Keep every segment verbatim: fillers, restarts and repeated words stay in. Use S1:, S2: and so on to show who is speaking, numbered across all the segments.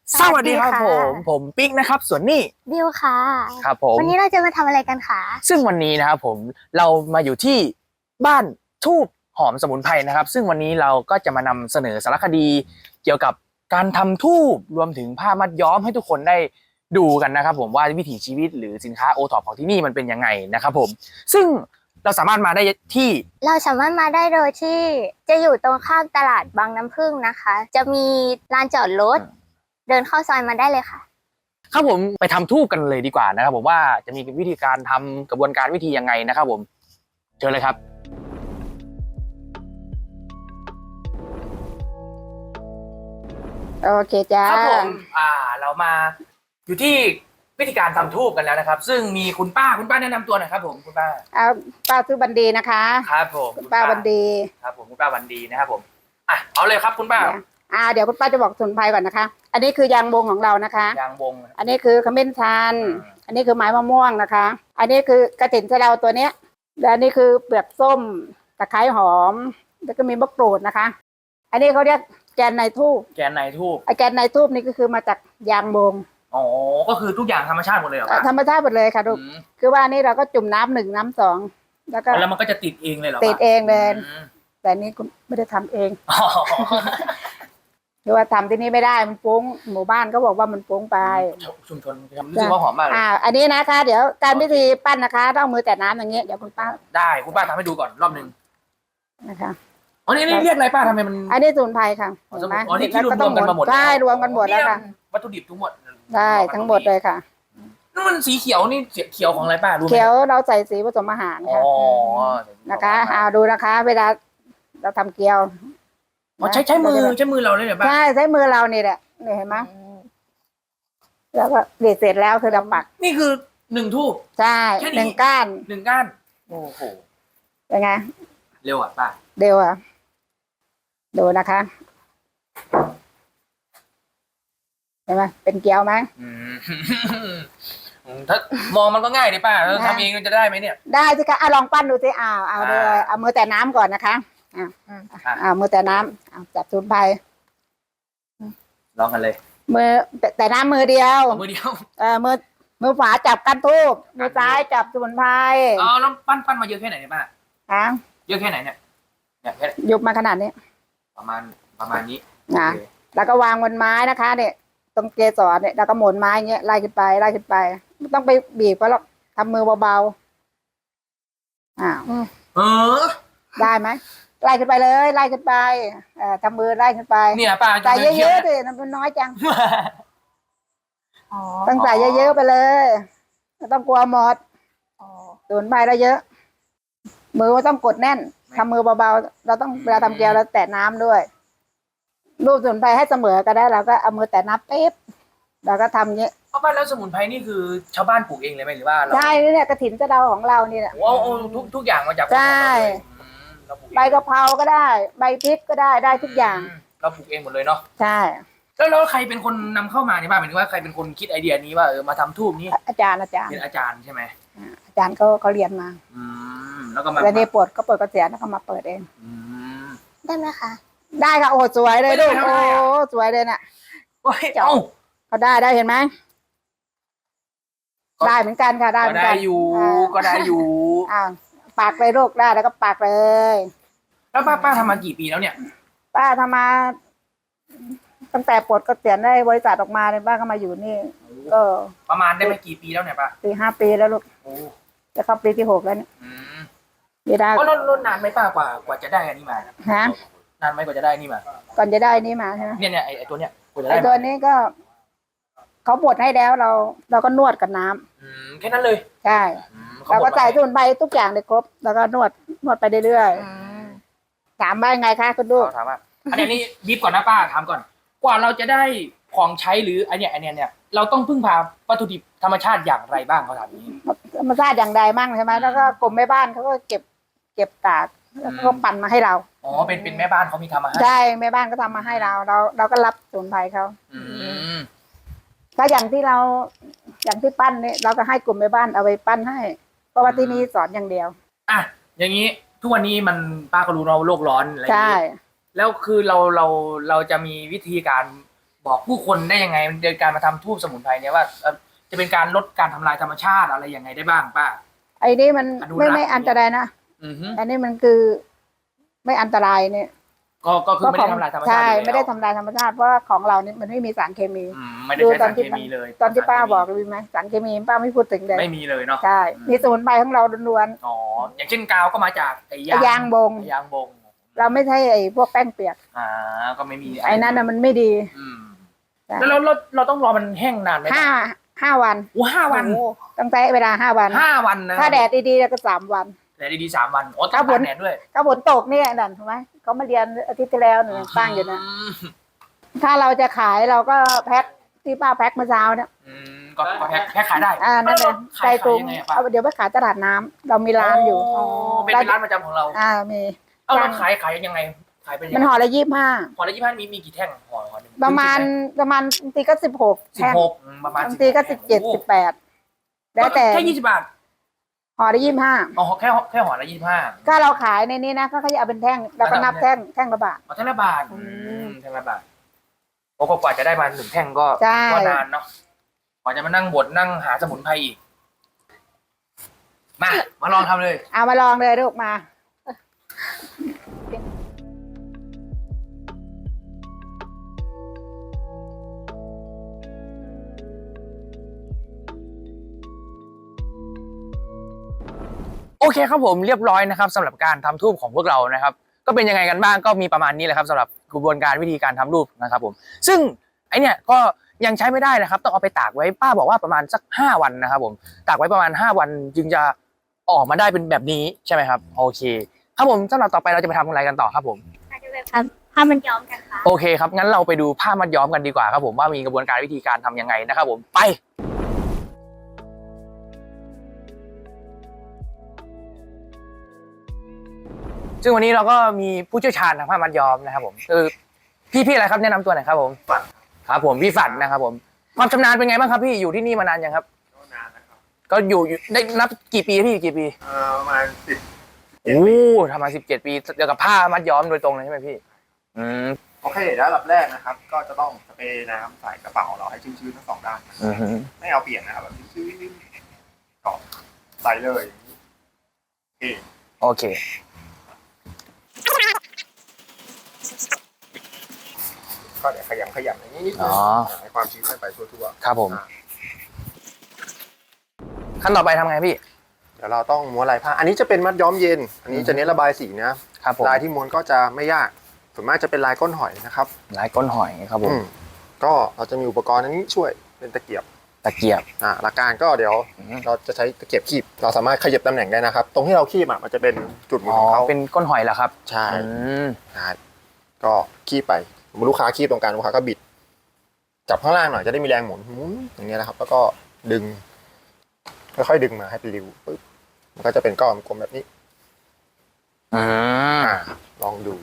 S1: สวัสดีครับผมผมปิ๊กนะครับส่วนนี้
S2: บิวค่ะ
S1: ครับผม
S2: วันนี้เราจะมาทำอะไรกันคะ
S1: ซึ่งวันนี้นะครับผมเรามาอยู่ที่บ้านทูบหอมสมุนไพรนะครับซึ่งวันนี้เราก็จะมานำเสนอสารคดีเกี่ยวกับการทำทูบรวมถึงผ้ามัดย้อมให้ทุกคนได้ดูกันนะครับผมว่าวิถีชีวิตหรือสินค้าโอท็อปของที่นี่มันเป็นยังไงนะครับผมซึ่งเราสามารถมาได้ที่
S2: เราสามารถมาได้โดยที่จะอยู่ตรงข้ามตลาดบางน้ำผึ้งนะคะ จะมีลานจอดรถเดินเข้าซอยมาได้เลยค่ะ
S1: ครับผมไปทำทูบกันเลยดีกว่านะครับผมว่าจะมีวิธีการทำกระบวนการวิธียังไงนะครับผมเชิญเลยครับ
S3: โอเคจ้า
S1: ครับผมอ่าเรามาอยู่ที่วิธีการทำทูบกันแล้วนะครับ ซึ่งมีคุณป้าคุณป้าแนะนำตัวหน่อยครับผมคุณป้า
S3: เอาป้าซื้อบันดีนะคะ
S1: ครับผม
S3: คุณป้าบันดี
S1: ครับผมคุณป้าบันดีนะครับผมอ่ะเอาเลยครับคุณป้า
S3: อ่าเดี๋ยวคุณป้าจะบอกสมุนไพรก่อนนะคะอันนี้คือยางบงของเรานะคะ
S1: ยางบง
S3: อันนี้คือขมิ้นชันอันนี้คือไม้มะม่วงนะคะ อันนี้คือกระถิ่นสะเดาตัวเนี้ยและอันนี้คือเปลือกส้มตะไคร้หอมแล้วก็มีมะกรูดนะคะ อันนี้เขาเรียกแกนในทูบ
S1: แกนในทูบ
S3: ไอแกนในทูบนี่ก็คือมาจากยางบง
S1: อ๋อก็คือทุกอย่างธรรมชาติหมดเลยเหรอ
S3: ธรรมชาติหมดเลยค่ะลูกคือว่านี่เราก็จุ่มน้ำหนึ่งน้ำสองแล้วก็
S1: แล้วมันก็จะติดเองเลยเหรอ
S3: ติดเองเลยแต่นี่คุณไม่ได้ทำเองคือว่าทำที่นี่ไม่ได้มันฟุ้งหมู่บ้านก็บอกว่ามันฟุ้งไป
S1: ชุมชนรู้สึกว่าหอมมากเลย
S3: อ่าอันนี้นะคะเดี๋ยวการพิธีปั้นนะคะต้องมือแต่น้ำอย่างเงี้ยเดี๋ยวคุณป้า
S1: ได้คุณป้าทำให้ดูก่อนรอบหนึ่ง
S3: นะคะ
S1: อ๋อนี่เรียกอะไรป้าทำไมมัน
S3: อันนี้สมุนไพรค่ะ
S1: เห็นไหมอ๋อนี่ที่รวมกันมาหมด
S3: ใช่รวมกันหมดแล้วค่ะ
S1: วัตถุดิบทั้งหมด
S3: ได้ทั้งหมดเลยค่ะ
S1: นั่นมันสีเขียวนี่เขียวของอะไรป้ารู้ไหม
S3: เขียวเราใส่สีผสมอาหารค่ะนะคะเอาดูนะคะ เวลาเราทำเกี๊ยว
S1: อ๋อใช้ใช้มือใช้มือเราเลยเหรอป้า
S3: ใช่ใช้มือเรานี่แหละนี่เห็นไหมแล้วก็เด็ดเสร็จแล้วคือเราปัก
S1: นี่คือหนึ่งทูบ
S3: ใช่หนึ่งก้าน
S1: หนึ่งก้านโอ้โห
S3: เป็นไง
S1: เร็วอ่ะป้า
S3: เร็วอ่ะดูนะคะเห็นไหมเป็นเกี๊ยวไหม
S1: ถ้ามองมันก็ง่ายเลยป้าแล้วทำเองมันจะได้ไหมเนี่ย
S3: ได้สิคะเอาลองปั้นดูสิเอาเอาเลยเอามือแต่น้ำก่อนนะคะอ่าอ่ามือแต่น้ำเอาจับสมุนไพร
S1: ลองกันเลย
S3: มือแต่น้ำมือเดียว
S1: มือเดียว
S3: เออมือมือขวาจับกันทูบมือซ้ายจับสมุนไพร
S1: อ๋อแล้วปั้นปั้นมาเยอะแค่ไหนเนี่ยป้า
S3: ฮะ
S1: เยอะแค่ไหนเนี่ยเนี่ยแค่
S3: ยุบมาขนาดนี้
S1: ประมาณประมาณนี้
S3: นะแล้วก็วางบนไม้นะคะเนี่ยตรงเกสรเนี่ยแล้วก็หมุนไม้เงี้ยไล่ขึ้นไปไล่ขึ้นไปไม่ต้องไปบีบก็หรอกทำมือเบาๆอ่า
S1: เออ
S3: ได้ไหมไล่ขึ้นไปเลยไล่ขึ้นไปเอ่อทำมือไล่ขึ้นไป
S1: เนี่ยป้า
S3: ใส่เยอะๆสิมันน้อยจังต้องใส่เยอะๆไปเลยไม่ต้องกลัวหมดสูนไปแล้วเยอะมือไม่ต้องกดแน่นทำมือเบาๆเราต้องเวลาทำเกลียวเราแตะน้ำด้วยรูปสมุนไพรให้เสมอก็ได้เราก็เอามือแตะน้ำปิ๊บเราก็ทำเงี้ย
S1: เพราะว่าแล้วสมุนไพรนี่คือชาวบ้านปลูกเองเลยไหมหรือว่า
S3: ใช่เนี่ยกระถิ่นสะเดาของเรานี่แหละ
S1: โอ้โหทุกทุกอย่างมาจาก
S3: ใช่ใบกะเพราก็ได้ใบพริกก็ได้ได้ทุกอย่าง
S1: เราปลูกเองหมดเลยเนาะ
S3: ใช่
S1: แล้วแล้วใครเป็นคนนำเข้ามาเนี่ยบ้างหมายถึงว่าใครเป็นคนคิดไอเดียนี้ว่าเออมาทำทูบนี้
S3: อาจารย์อาจารย์
S1: เป็นอาจารย์ใช่ไหม
S3: อาจารย์เขาเขาเรียนมา
S1: อืมแล้วก็มา
S3: แล้วนี่ปวดก็เปิดกระเสียแล้วก็มาเปิดเอง
S2: ได้ไหมคะ
S3: ได้ค่ะโอ้สวยเลยลูกโอ้สวยเลยน่ะ
S1: โอ้ยเอ้า
S3: เขาได้ได้เห็นไหมได้เหมือนกันค่ะได้เหมือนกัน
S1: ก็ได้อยู่ก็ได้อยู่
S3: อ่าปากเลยลูกได้แล้วก็ปากเลย
S1: แล้วป้าป้าทำมากี่ปีแล้วเนี่ย
S3: ป้าทำมาตั้งแต่ปลดเกษียณได้บริษัทออกมาเนี่ยป้าก็มาอยู่นี่ก็
S1: ประมาณได้ไปกี่ปีแล้วเนี่ยป้า
S3: ปีห้าปีแล้วลูกจะเข้าปีที่หกแล้วเนี่ย
S1: ไม่ได้ก็ลดนานไหมป้ากว่ากว่าจะได้อันนี้มา
S3: ฮะ
S1: นานไหมกว่าจะได้นี่มา
S3: ก่อนจะได้นี่มาใช่ไหม
S1: เนี่ยเนี่ยไอตัวเนี้ยกว่าจะได้
S3: ไอตัวนี้ก็เขาบดให้แล้วเราเราก็นวดกับน้ำ
S1: อืมแค่นั้นเลย
S3: ใช่เราก็ใส่สมุนไพรทุกอย่างเลยครบแล้วก็นวดนวดไปเรื่อยๆถามว่าไงคะคุณลูก
S1: ถามว่าอันนี้บีบก่อนนะป้าถามก่อนกว่าเราจะได้ของใช้หรือไอเนี้ยไอเนี้ยเนี่ยเราต้องพึ่งพาวัตถุดิบธรรมชาติอย่างไรบ้างเขาถามนี้
S3: ธรรมชาติอย่างใดมั่งใช่ไหมแล้วก็กรมแม่บ้านเขาก็เก็บเก็บตากแล้วก็ปั่นมาให้เรา
S1: อ๋อเป็นเป็นแม่บ้านเขามีทำมาให้
S3: ใช่แม่บ้านก็ทำมาให้เราเราเราก็รับสมุนไพรเขาถ้าอย่างที่เราอย่างที่ปั้นเนี่ยเราก็ให้กลุ่มแม่บ้านเอาไปปั้นให้เพราะว่าที่นี่สอนอย่างเดียว
S1: อ่ะอย่างนี้ทุกวันนี้มันป้าก็รู้เราโลกร้อนอะไรอย่าง
S3: นี้
S1: แล้วคือเราเราเราจะมีวิธีการบอกผู้คนได้ยังไงในการมาทำทูบสมุนไพรเนี่ยว่าเอ่อจะเป็นการลดการทำลายธรรมชาติอะไรยังไงได้บ้างป้า
S3: ไอ้นี่มัน
S1: อนุรักษ์
S3: ไม่ไม่อันตรายนะ
S1: อือฮึ
S3: อันนี้มันคือไม่อันตรายเนี่ย
S1: ก็ก็คือไม่ได้ทำลายธรรมชาติ
S3: ใช่
S1: อยู่แล้ว
S3: ไม่ได้ทำลายธรรมชาติเพราะว่าของเรานี่มันไม่มีสารเคมี
S1: อืมไม่ได้ใช้สารเคมีเลย
S3: ตอนที่ป้าบอกเลยไหมสารเคมีป้าไม่พูดถึงเลย
S1: ไม่มีเลยเนาะ
S3: ใช่มีสมุนไพรของเราล้วน
S1: อ๋ออย่างเช่นกาวก็มาจากไอ้
S3: ๆ
S1: ยาง
S3: ยางบง
S1: ไอ้ยางบง
S3: เราไม่ใช่ไอ้พวกแป้งเปียก
S1: อ่าก็ไม่มี
S3: ไอ้นั่นน่ะมันไม่ดี
S1: อืม
S3: ใช่
S1: แล้วเราเราเราต้องรอมันแห้งนานไหม
S3: ห้าห้าวัน
S1: โอ้ห้าวัน
S3: โอ้ต้องใช้เวลาห้าวัน
S1: ห้าวันนะ
S3: ถ้าแดดดีๆแล้วก็สามวัน
S1: แดดดีๆสามวันโอ้ต้อ
S3: ถ้าง ฝ
S1: ตาน กแดดด้วย
S3: ถ้าฝนตกเนี่ยนั่นถูกไหมเขามาเรียนอาทิตย์ที่แล้วหนูตั้งอยู่นะ
S1: ม
S3: ถ้าเราจะขายเราก็แพ็คที่ป้าแพ็คเมื่อเช้าเนี่ย
S1: อืมก็ก็แพ็คแพ็คขายได้
S3: อ่านั่นเลย
S1: ขาย
S3: ใจตุง
S1: ขายยังไงอะป้า
S3: เอาเดี๋ยวไปขายตลาดน้ำเรามีร้านอยู่
S1: อ๋อเป็นเป็นร้านประจำของเรา
S3: อ่ามี
S1: เอาเราขายขายยังไงขายเป็นยัง
S3: มัน
S1: ไง
S3: ห่อละยี่สิบห้า
S1: ห่อละยี่สิบห้ามีมีกี่แท่งห่อห่อหนึ่ง
S3: ประมาณประมาณบางทีก็สิบหก
S1: สิบหกประมาณ
S3: บางทีก็สิบเจ็ดสิบแปดแล้วแต่
S1: แค่ยี่สิบบาท
S3: ห่อละยี่สิบห้า
S1: อ๋อแค่แค่ห่อละยี่สิบห้า
S3: ถ้าเราขายในนี้นะเขาก็จะเอาเป็นแท่งเราก็นับแท่งแท่งละบาท
S1: อ๋อแท่งละบาท
S3: อื
S1: อื
S3: ม
S1: มแท่งละบาทโอ้ก็กว่าจะได้มาหนึ่งแท่งก็
S3: ใช่
S1: ก็นานเนาะกว่าจะมานั่งบดนั่งหาสมุนไพรอีกมามาลองทำเลย
S3: เอามาลองเลยลูกมา
S1: โอเคครับผมเรียบร้อยนะครับสำหรับการทำทูบของพวกเรานะครับ ก็เป็นยังไงกันบ้างก็มีประมาณนี้แหละครับสำหรับกระบวนการวิธีการทำรูปนะครับผมซึ่งไอเนี่ยก็ยังใช้ไม่ได้นะครับต้องเอาไปตากไว้ป้าบอกว่าประมาณสักห้าวันนะครับผมตากไว้ประมาณห้าวันจึงจะออกมาได้เป็นแบบนี้ใช่ไหมครับโอเคครับผมสำหรับต่อไปเราจะไปทำอะไรกันต่อครับผม
S2: อาจจะแบบผ้ามันย้อมกันค่ะ
S1: โอเคครับงั้นเราไปดูผ้ามัดย้อมกันดีกว่าครับผมว่ามีกระบวนการวิธีการทำยังไงนะครับผมไปซึ่งวันนี้เราก็มีผู้เชี่ยวชาญทางผ้ามัดย้อมนะครับผมคือพี่พี่อะไรครับแนะนำตัวหน่อยครับผมฝันครับผมพี่ฝันนะครับผมความชำนาญเป็นไงบ้างครับพี่อยู่ที่นี่มานานยังครับ
S4: นานนะครับ
S1: ก็อยู่อยู่ได้นับกี่ปีพี่กี่ปี
S4: เอ่อประมาณสิบ
S1: โอ้ทำมาสิบเจ็ดปีเกี่ยวกับผ้ามัดย้อมโดยตรงเลยใช่ไหมพี่อืม
S4: โอเคเดี๋ยวอันดับแรกนะครับ ก็จะต้องสเปรย์น้ำใส่กระเป๋าเราให้ชื้นๆทั้งสองด้าน
S1: อือฮึ
S4: ไม่เอาเปลี่ยนนะครับแบบชื้นๆก็ใส่เลยโอเค
S1: โอเค
S4: ก็เดี๋ยวขยำขยำอย่างนี้นิดนึ
S1: อ๋
S4: ง
S1: อ
S4: ให้ความชื้นไปทั่ว
S1: ครับผม
S4: ๆอ่ะ
S1: ขั้นต่อไปทำไงพี่
S4: เดี๋ยวเราต้องม้วนลายผ้าอันนี้จะเป็นมัดย้อมเย็น อันนี้จะเน้นระบายสีนะครับ
S1: ผม
S4: ลายที่ม้วนก็จะไม่ยากส่วนมากจะเป็นลายก้นหอยนะครับ
S1: ลายก้นหอยครับผม
S4: อืมก็เราจะมีอุปกรณ์อันนี้ช่วยเป็นตะเกียบ
S1: ตะเกียบ
S4: อ่าหลักการก็เดี๋ยว
S1: อืม
S4: เราจะใช้ตะเกียบคีบเราสามารถขยับตำแหน่งได้นะครับ ตรงที่เราคีบอ่ะมันจะเป็นจุดหมุน
S1: อ๋อ
S4: ของเขา
S1: เป็นก้นหอยเหรอครับ
S4: ใช่
S1: อืม
S4: นะครับก็คีบไปสมมติลูกค้าคีบตรงกลางลูกค้าก็บิด จับข้างล่างหน่อยจะได้มีแรงหมุนหมุนอย่างเงี้ยนะครับ แล้วก็ดึงค่อยๆดึงมาให้เป็นริ้วปึ๊บมันก็จะเป็นก้อนกลมแบบนี้
S1: อืม
S4: อ่าลองดู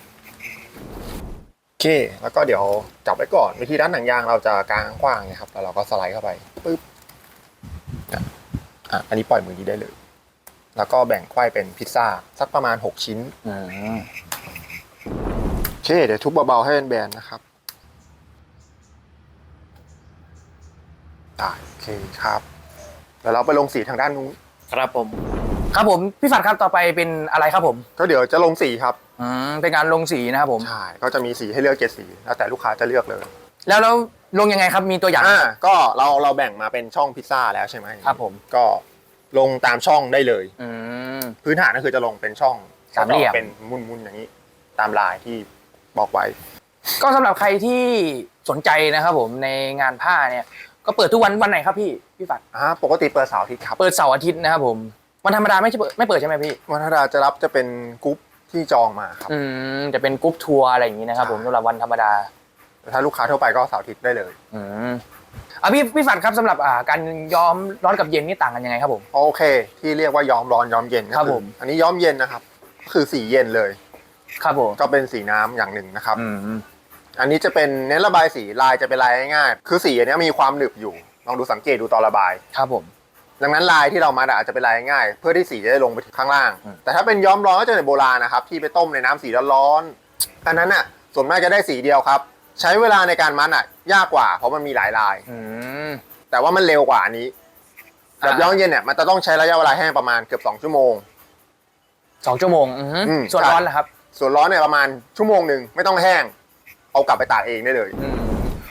S4: โอเค แล้วก็เดี๋ยวจับไว้ก่อนวิธีด้านหนังยางเราจะกางกว้างนะครับแล้วเราก็สไลด์เข้าไปปึ๊บอ่ะอ่ะอันนี้ปล่อยมือนี้ได้เลย แล้วก็แบ่งไขว้เป็นพิซซ่าสักประมาณหกชิ้น
S1: อืม
S4: โอเค เดี๋ยวทุบเบาๆให้เป็นแบนๆนะครับได้โอเคครับเดี๋ยวเราไปลงสีทางด้านนู้น
S1: ครับผมครับผมพี่ฝัดครับต่อไปเป็นอะไรครับผม
S4: ก็เดี๋ยวจะลงสีครับ
S1: อืมเป็นการลงสีนะครับผม
S4: ใช่ก็จะมีสีให้เลือกเจ็ดสีแล้วแต่ลูกค้าจะเลือกเลย
S1: แล้วแล้วลงยังไงครับมีตัวอย่าง
S4: อ่าก็เราเราแบ่งมาเป็นช่องพิซซ่าแล้วใช่ไหม
S1: ครับผม
S4: ก็ลงตามช่องได้เลย
S1: อืม
S4: พื้นฐานก็คือจะลงเป็นช่อง
S1: สามเหลี่ยม
S4: เป็นมุนๆอย่างนี้ ตามลายที่บอกไว้
S1: ก็สำหรับใครที่สนใจนะครับผมในงานผ้าเนี่ยก็เปิดทุกวันวันไหนครับพี่พี่ฝัด
S4: อ่าปกติเปิดเสาร์อาทิตย์ครับ
S1: เปิดเสาร์อาทิตย์นะครับผมวันธรรมดาไม่ใช่เปิดไม่เปิดใช่ไหมพี่
S4: วันธรรมดาจะรับจะเป็นกรุ๊ปที่จองมาครับ
S1: อืมจะเป็นกรุ๊ปทัวร์อะไรอย่างนี้นะครับผมสำหรับวันธรรมดา
S4: แต่ถ้าลูกค้าทั่วไปก็เสาร์อาทิตย์ได้เลย
S1: อืมอ่ะพี่พี่ฝัดครับสำหรับอ่าการย้อมร้อนกับเย็นนี่ต่างกันยังไงครับผม
S4: โอเค ที่เรียกว่าย้อมร้อนย้อมเย็นก็
S1: ครับ
S4: อ
S1: ผม
S4: อันนี้ย้อมเย็นนะครับก็คือสีเย็นเลย
S1: ครับผม
S4: ก็เป็นสีน้ำอย่างหนึ่งนะครับ
S1: อืม
S4: อันนี้จะเป็นเน้นระบายสีลายจะเป็นลายง่ายๆคือสีอันเนี้ยมีความหนึบอยู่ลองดูสังเกตดูตอนระบาย
S1: ครับผม
S4: ดังนั้นลายที่เรามาอาจจะเป็นลายง่ายเพื่อที่สีจะได้ลงไปถึงข้างล่าง
S1: อืม
S4: แต่ถ้าเป็นย้อมร้อนก็จะเป็นโบราณนะครับที่ไปต้มในน้ำสีร้อนๆอันนั้นน่ะส่วนมากจะได้สีเดียวครับใช้เวลาในการมัดอ่ะยากกว่าเพราะมันมีหลายลาย
S1: อืม
S4: แต่ว่ามันเร็วกว่าอันนี้แบบ
S1: อ่า
S4: ย้อมเย็นเนี่ยมันจะต้องใช้ระยะเวลาแห้งประมาณเกือบสองชั่วโมง
S1: สองชั่วโมงอือฮึ
S4: อืม
S1: ส่วน
S4: ใช่
S1: ร้อนล่ะครับ
S4: ส่วนร้อนเนี่ยประมาณชั่วโมงหนึ่งไม่ต้องแห้ง เอากลับไปตากเองได้เลย
S1: อืม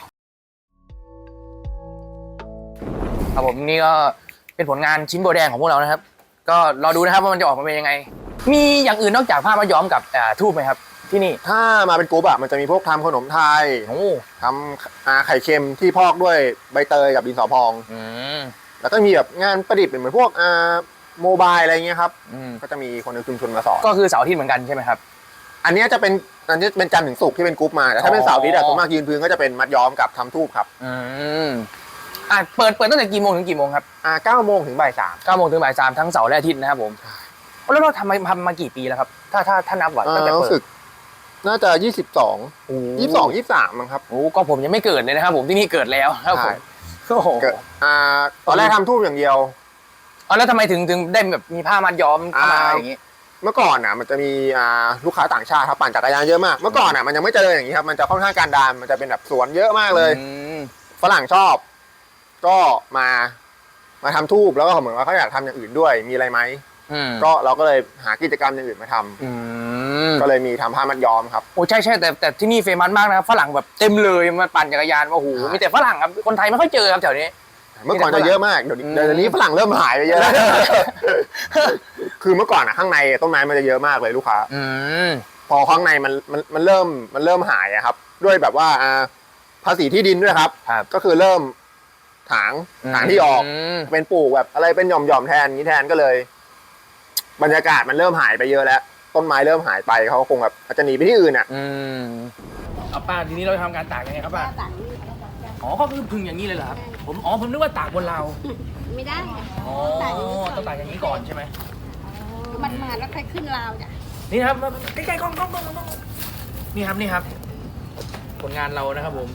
S1: ครับผมนี่ก็เป็นผลงานชิ้นโบแดงของพวกเรานะครับ ก็รอดูนะครับว่ามันจะออกมาเป็นยังไง มีอย่างอื่นนอกจากผ้ามัดย้อมกับอ่าทูบไหมครับ ที่นี่
S4: ถ้ามาเป็นกรุ๊ปอะมันจะมีพวกทำขนมไทย
S1: โอ้
S4: ทำอ่าไข่เค็มที่พอกด้วยใบเตยกับดินสอพอง
S1: อืม
S4: แล้วก็มีแบบงานประดิษฐ์เป็นเหมือนพวกอ่าโมบายอะไรเงี้ยครับ
S1: อืม
S4: ก็จะมีคนในชุมชนมาสอน
S1: ก็คือเสาร์อาทิตย์เหมือนกันใช่ไหมครับ
S4: อันเนี้ยจะเป็นอันนี้เป็นจันทร์ถึงศุกร์ที่เป็นกรุ๊ปมาแต่ถ้าเป็นเสาร์อาทิตย์อะ
S1: อ๋อ
S4: ส่วนมากยืนพื้นก็จะเป็นมัดย้อมกับทำทูบครับ
S1: อืมอ่ะเปิดเปิดตั้งแต่กี่โมงถึงกี่โมงครับ
S4: อ่าเก้าโมงถึงบ่ายสาม
S1: เก้าโมงถึงบ่ายสามทั้งเสาร์และอาทิตย์นะครับผมแล้วเราทำมาทำมากี่ปีแล้วครับ ถ้าถ้าถ้านับว่าตั้งแต่เปิ
S4: รู้
S1: ด
S4: สึกน่าจะยี่สิบสอง
S1: โอ้
S4: ยี่สิบสองยี่สิบสามมั้งครับ
S1: โอ้ก็ผมยังไม่เกิดเลยนะครับผมที่นี่เกิดแล้วครับผ
S4: ใช่
S1: มโอ้โห
S4: เกิดอ่าตอนแรกทำทูบอย่างเดียว
S1: เอาแล้วทำไมถึงถึงได้แบบมีผ้ามัดย้อมเข้ามา
S4: อ่า
S1: อย่างนี้
S4: เมื่อก่อนอ่ะมันจะมีอ่าลูกค้าต่างชาติครับปั่นจักรยานเยอะมาก เมื่อก่อนอ่ะมันยังไม่เจริญอย่างนี้ครับมันจะค่อนข้างการดานมันจะเป็นแบบสวนเยอะมากเลย
S1: อืม
S4: ฝรั่งชอบ ก็มามาทำทูบแล้วก็เหมือนว่าเขาอยากทำอย่างอื่นด้วยมีอะไรไหม
S1: อืม
S4: ก็เราก็เลยหากิจกรรมอย่างอื่นมาทำ
S1: อืม
S4: ก็เลยมีทำผ้ามัดย้อมครับ
S1: โอ้ใช่ใช่แต่แต่ที่นี่เฟมัสมากนะครับฝรั่งแบบเต็มเลยมาปั่นจักรยานว่าโอ้โห
S4: ใช่
S1: มีแต่ฝรั่งครับคนไทยไม่ค่อยเจอครับแถวนี้
S4: เมื่อก่อนจะเยอะมากเดี๋ยวนี้
S1: อืม
S4: เดี๋ยวนี้ฝรั่งเริ่มหายไปเยอะแล้ว คือเมื่อก่อนอ่ะข้างในต้นไม้มันจะเยอะมากเลยลูกค้า
S1: อืม
S4: พอข้างในมันมันมันเริ่มมันเริ่มหายอะครับ ด้วยแบบว่าอ่าภาษีที่ดินด้วยครับ
S1: ครับ
S4: ก็คือเริ่มถางถางที่ออก
S1: ม
S4: เป็นปลูกแบบอะไรเป็นหย่อมหย่อมๆแทนอย่างนี้แทนก็เลย บรรยากาศมันเริ่มหายไปเยอะแล้ว ต้นไม้เริ่มหายไปเขาคงแบบอาจจะหนีไปที่อื่นอ่ะ
S1: อืมเอาป้าทีนี้เราจะทำการตากยังไงครับป้าอ๋อก็คือพึ่งอย่างนี้เลยเหรอครับผมอ๋อผมนึกว่าตากบนเรา
S5: ไม่ได้
S1: อ๋อต้องตากอย่างนี้ก่อนใช่ไหม
S5: มันมาแล้วค่อยขึ้นราวจ้ะ
S1: นี่นะครับมาใกล้ๆกล้องกล้องกล้องกล้องนี่ครับนี่ครับ ผลงานเรานะครับผม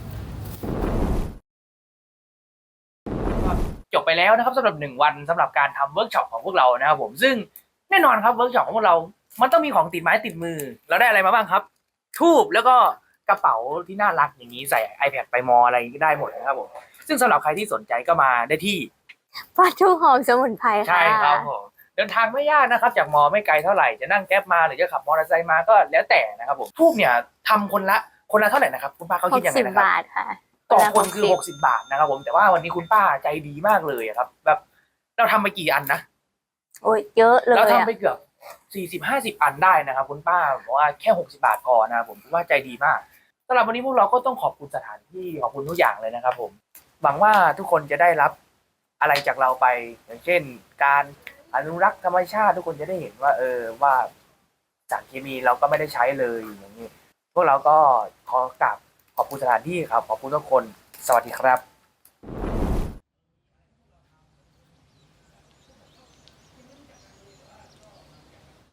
S1: จบไปแล้วนะครับสำหรับหนึ่งวันสำหรับการทำเวิร์กช็อปของพวกเรานะครับผมซึ่งแน่นอนครับเวิร์กช็อปของพวกเรา มันต้องมีของติดไม้ติดมือ เราได้อะไรมาบ้างครับ ทูบแล้วก็กระเป๋าที่น่ารักอย่างนี้ใส่ iPad ไปมออะไรก็ได้หมดนะครับผมซึ่งสำหรับใครที่สนใจก็มาได้ที่
S2: ปลาทูหอมสมุนไพรค่ะ
S1: ใช่ครับผมเดินทางไม่ยากนะครับ จากมอไม่ไกลเท่าไหร่จะนั่งแก๊ปมาหรือจะขับมอเตอร์ไซค์มาก็แล้วแต่นะครับผมทูบเนี่ยทำคนละคนละเท่าไหร่นะครับคุณป้าเขา
S2: ห
S1: คิด
S2: ก
S1: ยังไง
S2: สิบ
S1: นะครับ
S2: บาทค่ะ
S1: ต่อคน
S2: ละ
S1: คือหกสิบบาทนะครับผมแต่ว่าวันนี้คุณป้าใจดีมากเลยอะครับ แบบเราทำไปกี่อันนะ
S2: โอ้ยเยอะเลย
S1: เราทำ
S2: อะ
S1: ไปเกือบสี่สิบห้าสิบอันได้นะครับคุณป้าบอกว่าแค่หกสิบาทพอนะครับผมคิดว่าใจดีมากสำหรับวันนี้พวกเราก็ต้องขอบคุณสถานที่ขอบคุณทุกอย่างเลยนะครับผมหวังว่าทุกคนจะได้รับอะไรจากเราไปอย่างเช่น การอนุรักษ์ธรรมชาติทุกคนจะได้เห็นว่า เออว่าสารเคมีเราก็ไม่ได้ใช้เลยอย่างนี้พวกเราก็ขอกราบขอบคุณสถานที่ครับขอบคุณทุกคนสวัสดีครับ